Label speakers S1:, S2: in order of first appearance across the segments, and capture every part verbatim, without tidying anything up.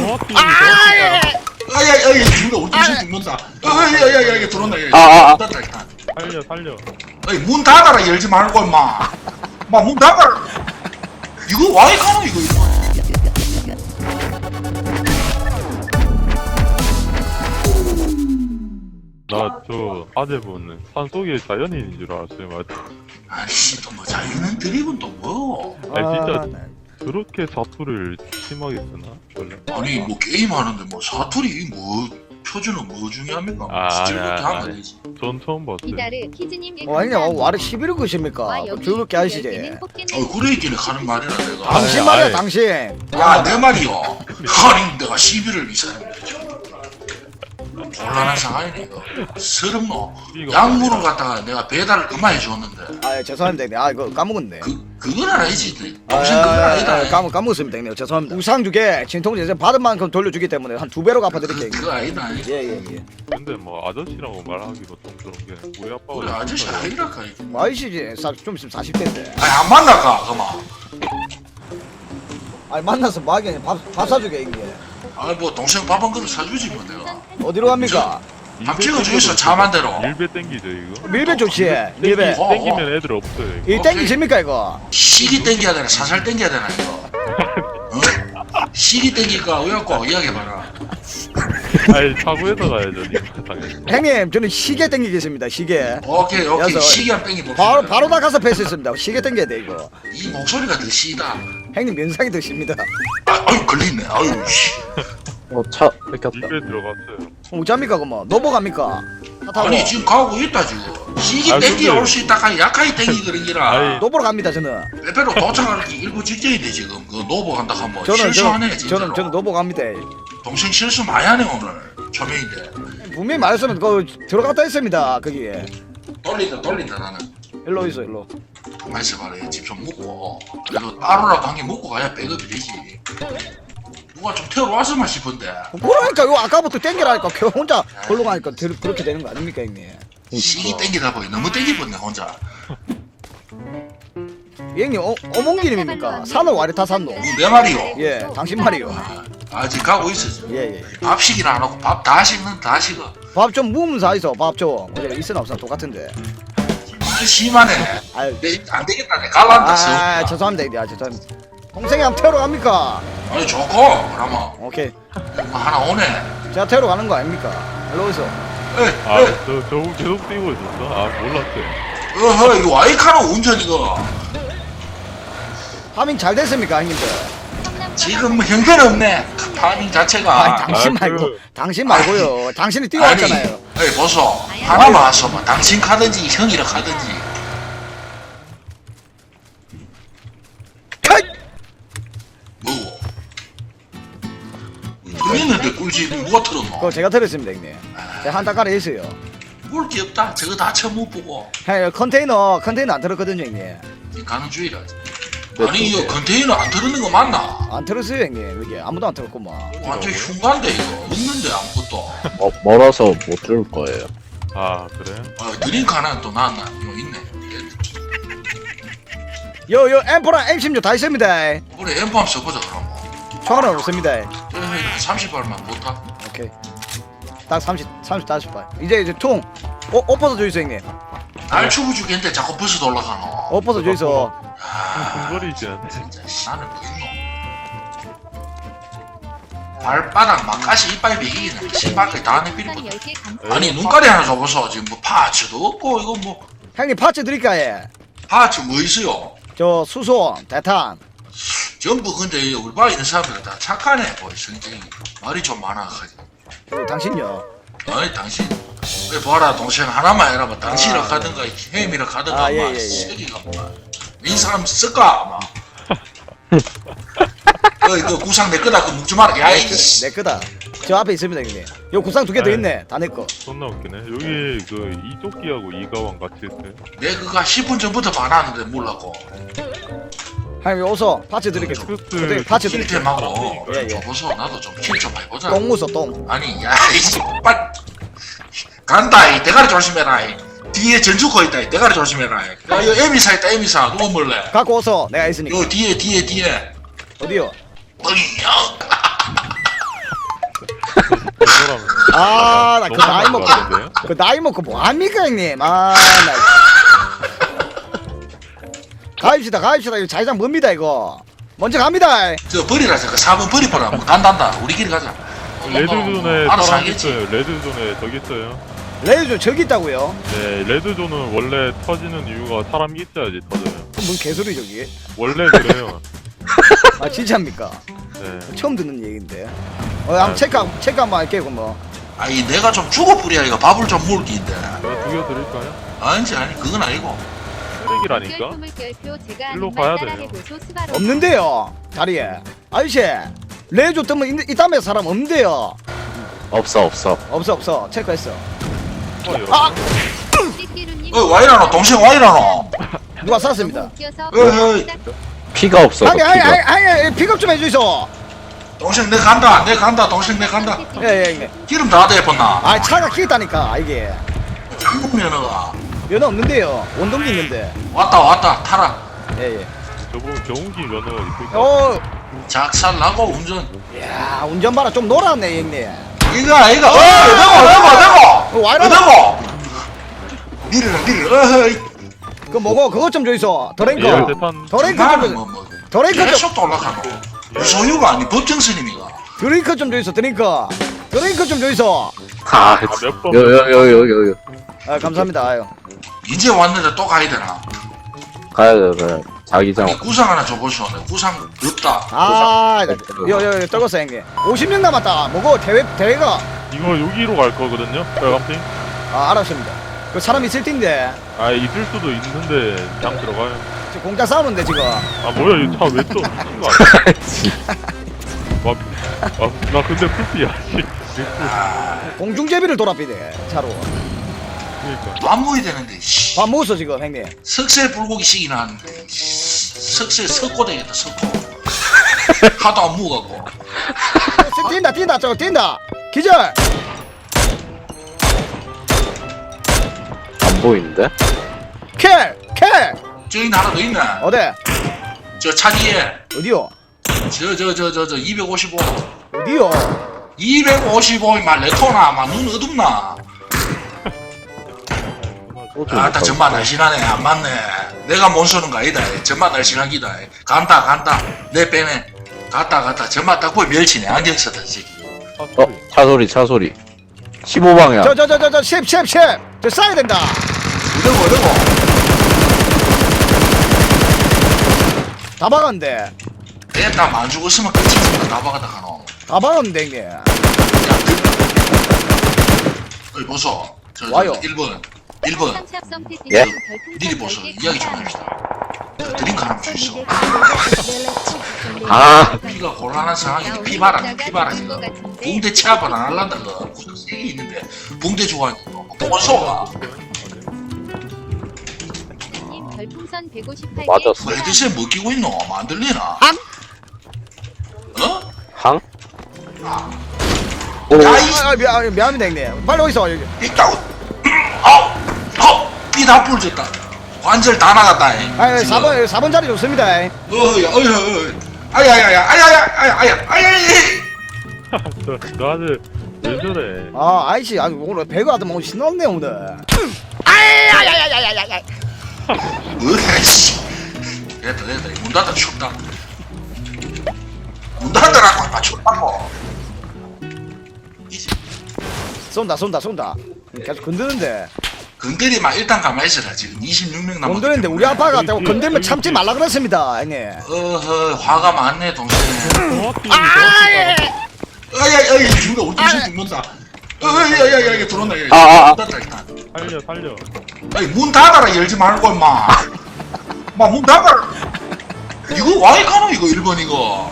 S1: 정확히
S2: 아야
S3: 아야야야 죽는다 우리 동생 죽는다. 아야야야 이게 들어온다.
S2: 아, 아, 아.
S3: 닫았다 일단.
S1: 살려 살려.
S3: 아니 문 닫아라 열지 말고 임마. 마 문 닫아라. 이거 와이 가노 이거 이거.
S1: 나 저 아재분은 산속의 자연인인 줄 알았어요. 맞아.
S3: 아씨 또 뭐 자기는 드립은 또 뭐.
S1: 아니 진짜 그렇게 사투를 심하게 쓰나? 원래?
S3: 아니 뭐 게임 하는데 뭐 사투리 뭐 표준은 뭐 중요합니까?
S1: 아,
S3: 스틸부터
S1: 아니,
S3: 하면
S1: 아니.
S3: 되지.
S1: 전 처음 봤어요.
S4: 이다르 키즈님
S2: 어 아니 와르 십일 것입니까? 즐겁게 하시지.
S3: 어 그래 있기는 가는 말이라 내가.
S2: 당신
S1: 아이,
S2: 말이야
S1: 아이.
S2: 당신.
S3: 야 내 말이요. 아니 내가 시비를 이 사람이래 지금. 곤란한 상황이네 이거. 서럽노.
S1: 이거
S3: 약물을
S1: 아니라.
S3: 갖다가 내가 배달을 그만 해줬는데
S2: 아 죄송합니다. 아 이거 까먹었네.
S3: 그 그건 아니지.
S2: 아,
S3: 동생 그건
S2: 아,
S3: 아니다.
S2: 아, 까먹 까먹었습니다, 형님. 죄송합니다. 우상 주게 진통제 받은 만큼 돌려주기 때문에 한 두 배로
S3: 그,
S2: 갚아드릴게요.
S3: 그거 아니다.
S2: 예예 예.
S1: 근데 뭐 아저씨라고 말하기도 좀 그런 게 우리 아빠가
S3: 우리 아저씨
S1: 있었어요.
S3: 아니라까 이게.
S2: 아이씨지 좀 있으면 사십 대인데.
S3: 아니 안 만날까 그만.
S2: 아니 만나서 뭐 하겠냐. 밥, 밥 사주게 이게.
S3: 아니 뭐 동생 밥 한 그릇 사주지 뭐 내가.
S2: 어디로 갑니까?
S3: 밥 찍어주겠어 차만 대로.
S1: 밀배 땡기죠 이거?
S2: 밀배 좋지. 밀배.
S3: 어, 어.
S1: 땡기면 애들 없어요 이거.
S2: 이 땡기십니까 이거?
S3: 시기 땡겨야 되나 사살 땡겨야 되나 이거. 어? 시기 땡길까 왜갖고 이야기해봐라.
S1: 아니 차고에서 가야죠 이거 당연히.
S2: 형님 저는 시계 땡기겠습니다. 시계.
S3: 오케이 오케이
S2: 여섯.
S3: 시기 한 땡기 봅시다.
S2: 바로 바로 다 가서 패스했습니다. 시계 땡겨야 돼 이거.
S3: 이 목소리가 더 시다.
S2: 형님 면상이 더 십니다.
S3: 아, 아유 걸리네 아유 씨.
S5: 어차 뺏겼다.
S1: 밀배 들어갔어요.
S2: 어쩝니까 그뭐? 노보 갑니까? 차 타고.
S3: 아니 지금 가고 있다 지금. 시기
S1: 아,
S3: 땡기
S1: 근데-
S3: 올 수 있다 하니 약하게 땡기 그런기라.
S1: 아이.
S2: 노보로 갑니다 저는.
S3: 빼빼로 도착하기 일부 직전인데 지금 그 노보 간다 하면
S2: 저는
S3: 실수하네
S2: 저는
S3: 진짜로.
S2: 저는 저는 노보 갑니다.
S3: 동생 실수 많이 하네 오늘 초면인데.
S2: 분명히 말했으면 그 들어갔다 했습니다 거기에.
S3: 돌린다 돌린다 나는.
S2: 일로 있어 일로.
S3: 가만 있어봐라 집 좀 묵고 그래도 따로라도 한 개 먹고 가야 백업이 되지. 누가 좀 태우러 왔으면 싶은데.
S2: 그러니까 요 아까부터 땡기라니까 걔 혼자 걸로 가니까 들- 그렇게 되는 거 아닙니까 형님?
S3: 시기 땡기다 보니 너무 땡기버네 혼자.
S2: 형님 어, 어몽기님입니까? 산을 와리 타 산노?
S3: 이거 내 말이요.
S2: 예 당신 말이요.
S3: 아직 가고 있어 지금.
S2: 예예.
S3: 밥 시기는 안 하고 밥 다 식는 다 식어.
S2: 밥 좀 무으면서 있어 밥 좀. 어제 있으나 없으나 똑같은데.
S3: 말 심하네.
S2: 아유.
S3: 내, 안 되겠다 내 갈란다
S2: 아
S3: 서.
S2: 죄송합니다 형님. 아 죄송합니다. 동생이 한번 태우러 갑니까?
S3: 아니 좋고 그러면
S2: 오케이.
S3: 하나 오네.
S2: 제가 태우러 가는 거 아닙니까? 일로 있어.
S3: 에이 에이
S1: 아저 저 계속 뛰고 있었어? 아 몰랐어요.
S3: 어허 이거 와이카노 운전 이거.
S2: 파밍 잘 됐습니까 형님들?
S3: 지금 뭐 형편 없네. 파밍 자체가.
S2: 아니 당신
S1: 아,
S2: 말고
S1: 그-
S2: 당신 말고요. 당신이 뛰어왔잖아요.
S3: 아니 보소 하나만 왔어 당신 가든지 형이랑 가든지.
S2: 컷!
S3: 뭐고? 들리는데 꿀집 누가 틀었노?
S2: 그거 제가 들었습니다 형님. 제가 한달 가래 했어요.
S3: 볼 게 없다. 저거 다 처음 못 보고.
S2: 형 컨테이너 컨테이너 안 들었거든요 형님.
S3: 가는 주의라. 아니 이거 컨테이너 안 들었는 거 맞나?
S2: 안 들었어요 형님. 여기 아무도 안 들었구만.
S3: 완전 흉간데 이거 없는데 아무것도.
S5: 어, 멀어서 못 줄 거예요.
S1: 아 그래?
S3: 어, 드링크 하나 또 나왔나? 이거 있네.
S2: 요요 엠포랑 엠십육 다 있습니다.
S3: 우리 엠프 한번 써보자 그럼.
S2: 총알은 없습니다.
S3: 삼십 발만 못 타.
S2: 오케이. 딱 삼십, 삼십, 다섯 발. 이제 이제 총. 어, 엎어서 주이소 형님.
S3: 날 추부 주겠는데 자꾸 버스 올라가노.
S2: 엎어서 주이소.
S1: 흥거리지 않네.
S3: 진짜 씨, 나는 뭐 있노? 발바닥 막가시 이빨 베기기는 신발까지 다 내비리거든. 아니 눈가리 하나 줘보소. 지금 뭐 파츠도 없고 이거 뭐
S2: 형님 파츠 드릴까요?
S3: 파츠 뭐 있어요?
S2: 저 수소, 대탄.
S3: 전부 근데 우리 바 있는 사람들 다 착하네 뭐 성격이 말이 좀 많아가지고.
S2: 그리고 당신요.
S3: 아니 당신 왜 봐라 동생 하나만 해라 뭐 당신이라
S2: 아,
S3: 가든가 햄이라 가든가
S2: 아, 예,
S3: 막
S2: 예, 예.
S3: 세기가 뭐이 사람 쓸까 막. 그, 그 구상 내 거다 그 묵지 마라 야이씨.
S2: 내 거다. 저 앞에 있습니다 형님. 요 구상 두 개 더
S1: 아이.
S2: 있네. 다 내 거.
S1: 존나 웃기네. 여기 그 이조끼하고 이가왕 같이 했어요.
S3: 내 그가 십 분 전부터 봐놨는데 몰랐고
S2: 형님 어서 파츠 드릴게요.
S1: 그
S2: 어떻게 파츠 드릴게요.
S3: 킬템하고
S2: 예, 예.
S3: 줘보소 나도 좀 킬 좀 해보자.
S2: 똥 무서 똥.
S3: 아니 야이씨 빨 간다 이 대가리 조심해라 이. 뒤에 전주코 있다 이 대가리 조심해라 이. 야 이거 에미사 있다 에미사 누구 몰래
S2: 갖고 어서 내가 있으니까.
S3: 요 뒤에 뒤에 뒤에
S2: 어디요?
S3: 뻥이요
S2: 아, 나 그
S1: 너무
S2: 나이
S1: 많은
S2: 먹고
S1: 것 같은데요?
S2: 그 나이 먹고 뭐 합니까 형님? 아, 나 가입시다, 가입시다. 이거 자기장 뭡니다 이거. 먼저 갑니다.
S3: 저 버리라 저거 사 번 버리보라 뭐 간단다 우리끼리 가자.
S1: 레드존에
S3: 알아서
S1: 사람
S3: 하겠지.
S1: 있어요. 레드존에 저기 있어요.
S2: 레이저 저기 있다고요?
S1: 네, 레드존은 원래 터지는 이유가 사람이 있어야지 터져요.
S2: 그럼 뭔 개소리 저기?
S1: 원래 그래요.
S2: 아 진짜입니까?
S1: 네.
S2: 처음 듣는 얘기인데. 어, 한번 체크 체크 한번 할게요 그럼 뭐.
S3: 아니 내가 좀 죽어 뿌려야 이거 밥을 좀 먹기인데.
S1: 제가 죽여드릴까요?
S3: 아니지 아니 그건 아니고.
S1: 쓰레기라니까? 일로 가야 돼요.
S2: 없는데요 다리에. 아저씨 레이저 뜨면 이, 이 다음에 사람 없는데요.
S5: 없어 없어.
S2: 없어 없어 체크했어.
S1: 어, 여러분.
S2: 아!
S3: 어 와이라노 동생 와이라노.
S2: 누가 쐈습니다.
S3: 어이
S5: 피가 없어.
S2: 아니 아니
S5: 피가.
S2: 아니 아니 픽업 좀 해주이소.
S3: 동생 내 간다 내 간다 동생 내 간다.
S2: 예예 예.
S3: 기름 다 대봤나?
S2: 아 차가 끼있다니까 이게.
S3: 한국 면허가
S2: 면허 없는데요. 원동기 있는데.
S3: 왔다 왔다 타라.
S2: 예예.
S1: 저분 경운기 면허 있을까?
S2: 어,
S3: 작살나고 운전.
S2: 야 운전 봐라 좀 놀았네 형님.
S3: 이거 이거 어
S2: 어,
S3: 어디고 어디고
S2: 와이라노.
S3: 어디고 니르라 니르라 어이
S2: 그 뭐고 그것 좀 줘이소. 더랭크.
S1: 예, 대탄.
S2: 더랭크
S3: 나는
S2: 좀.
S3: 뭐뭐
S2: 더랭크 좀.
S3: 계속 올라가노. 소유가 아니 법정 스님이가.
S2: 드링크 좀 줘이소. 드링크. 드링크 좀 줘이소.
S5: 아,
S1: 몇 번?
S5: 요요요요요.
S2: 아 감사합니다. 아유.
S3: 이제 왔는데 또 가야 되나?
S5: 가야 돼. 그래. 자기장.
S3: 아니, 구상 하나 줘보시오. 내 구상 없다.
S2: 아, 요요 요 떨궜어 형님. 오십 명 남았다. 뭐고 대회 대회가.
S1: 이거 여기로 갈 거거든요? 빨간핑?
S2: 아 알았습니다. 그 사람 있을 텐데
S1: 아, 있을 수도 있는데 그냥 들어가요.
S2: 지금 공짜 싸우는데 지금.
S1: 아, 뭐야, 이 차 왜 또 미친 거 아니야? 와, 아, 나 근데 풀피야, 씨.
S2: 공중제비를 돌아비네 차로.
S1: 그니까.
S3: 밥 먹어야 되는데 씨.
S2: 밥 먹었어 지금 형님.
S3: 석쇠 불고기 시기나 하는데 씨. 석쇠 석고 되겠다 석고. 하도 안 먹어갖고.
S2: 뛴다 뛴다 저거 뛴다. 기절.
S5: 안 보이는데?
S2: 킬 킬.
S3: 저기 하나 더 있네.
S2: 어디
S3: 저 차 뒤에.
S2: 어디요
S3: 저 저 저 저 저 이백오십오.
S2: 어디요.
S3: 이백오십오이만 레토나 막눈 어둡나. 아따 정말 날씬하네 안 맞네. 내가 못 쏘는 거 아니다. 정말 날씬한 기다. 간다 간다 내 빼네. 갔다 갔다 정말 딱 보이 멸치네 안경 썼다 이 새끼.
S1: 아,
S5: 어, 차 소리, 차 소리. 십오 방향.
S2: 저 저 저 저 저 십 십 십. 저 쏴야 된다.
S3: 이러고 이러고.
S2: 다 박았는데.
S3: 내다 안 죽었으면 끝이지. 다 박았다 가노.
S2: 다 박았는데 형님.
S3: 야, 어이 보소. 저, 저
S2: 와요.
S3: 일 번 일 번
S5: 예?
S3: 니리 보소. 이야기 좀 합시다. 저 드링크 하나 주있어.
S5: 아,
S3: 피가 곤란한 상황인데 피 봐라 피 봐라 지금. 붕대 체압을 안 할란다 그 구석 세개 있는데 붕대 좋아하니까 보소가.
S5: 맞았어.
S3: 헤드셋 뭐 끼고 있노? 안 들리나?
S2: 함?
S3: 어?
S5: 항? 오,
S3: 야, 이
S2: 아, 아, 미안 미안합니다 형님. 빨리 어디서 여기.
S3: 있다고. 아우, 아우, 피다 부러졌다. 관절 다 나갔다. 잉.
S2: 아,
S3: 지금.
S2: 사 번 사 번 자리 좋습니다.
S3: 어이, 어이, 어이. 아야야야, 아야야, 아야, 아야, 아야.
S1: 너, 너한테 왜 저래?
S2: 아, 아이씨, 아 오늘 배가 하더만 오늘 신났네 오늘. 아야야야야야야야.
S3: 으이씨. 됐다, 됐다. 문 닫아 춥다. 문 닫으라고, 아, 춥다고. 이제
S2: 쏜다, 쏜다, 쏜다. 계속 건드는데.
S3: 건드리면 일단 가만히 있어라. 지금 이십육 명 남았기
S2: 건드는데 우리
S3: 때문에.
S2: 아빠가 되고 건들면 참지 말라 그랬습니다, 형님.
S3: 어허, 화가 많네, 동생.
S1: 정확히
S2: 아, 예.
S3: 아야, 아야, 죽는다. 우리 동생 죽는다. 어야야야, 이게 들어온다.
S5: 아, 아, 아.
S3: 문 닫아, 일단.
S1: 살려, 살려.
S3: 아니 문 닫아라 열지 말고 임마. 마문 닫아라. 이거 와이 가노 이거 일 번 이거.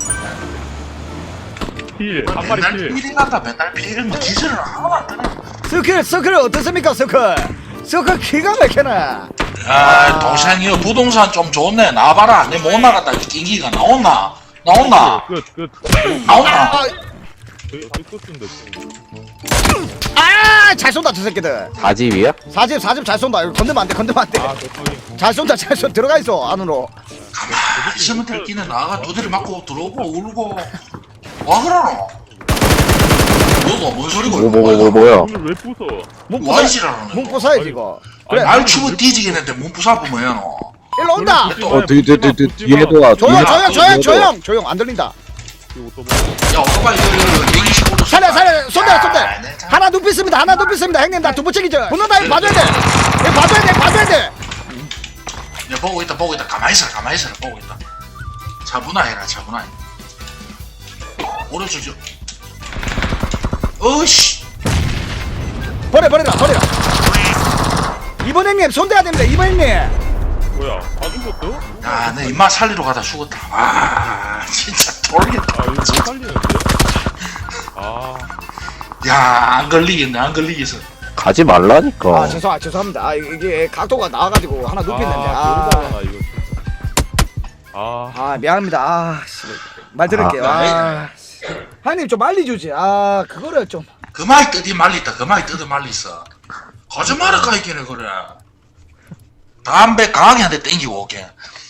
S1: 필, 한 마리
S3: 맨날
S1: 필.
S3: 필이 난다 맨날 필. 뭐 기술을 하나도 안 뜨네.
S2: 서클, 서클 어떻습니까, 서클? 서클 기가 막히네.
S3: 아 동생이요 부동산 좀 좋네. 나와봐라. 내 못 나갔다. 인기가 나온나? 나온나?
S1: 끝, 끝.
S3: 나온나?
S2: 아,
S1: 끝끝인데.
S2: 아, 잘 쏜다, 저 새끼들.
S5: 사집이야?
S2: 사집, 사집 잘 쏜다. 이거 건들면 안 돼, 건들면 안 돼.
S1: 아, 저쪽이.
S2: 잘 쏜다, 잘 쏜다. 들어가 있어, 안으로.
S3: 가만히 있으면 될기는 나가 두드리 맞고 들어오고 울고 와 그러노? 너도 뭔 소리고
S5: 뭐, 뭐, 뭐, 뭐, 뭐야?
S1: 오늘 왜 부숴?
S2: 문 부숴
S3: 와이지라는
S2: 문 부숴야지 이거. 그래
S1: 아니,
S3: 날 추고 뒤지겠는데 몸 부숴보면 뭐야 너.
S2: 일로 온다.
S5: 어, 뒤, 뒤, 뒤, 뒤, 뒤에도 와.
S2: 조용
S3: 야,
S2: 조용
S3: 또
S2: 조용
S5: 뒤에도.
S2: 조용 조용 안 들린다.
S3: 야 오토바이 백이십오 도
S2: 살려 살려 쏜다 쏜다. 하나 눕혔습니다. 하나 눕혔습니다. 형님 나 두부 책이죠. 붙는다 이거 봐줘야 돼. 이거 봐줘야 돼 봐줘야 돼.
S3: 야 보고 있다 보고 있다 가만히 있어라 가만히 있어라 보고 있다. 차분하해라 차분하해. 오른쪽 저 어이씨
S2: 버려 버려라 버려. 이번 형님 손대야 됩니다. 이번 형님.
S1: 뭐야? 안 죽었어?
S3: 야내 입맛 살리러 가다 죽었다. 와 진짜 돌겠다.
S1: 아 이거 못 살리는데? 아
S3: 야안 걸리겠네 안 걸리겠어.
S5: 가지 말라니까.
S2: 아 죄송 아 죄송합니다. 아 이게 각도가 나와가지고 하나 눕혔는데.
S1: 아,
S2: 아,
S1: 모르잖아 이거 진짜. 아
S2: 아 미안합니다. 아 씨, 말 들을게요.
S3: 아,
S2: 아, 형님 좀 빨리 주지. 아 그거를 좀.
S3: 그만이 뜨디 말리다 그만이 뜨디 말리있어. 거짓말을 까이기네 그래. 담배 강하게 한 대 땡기고 오게.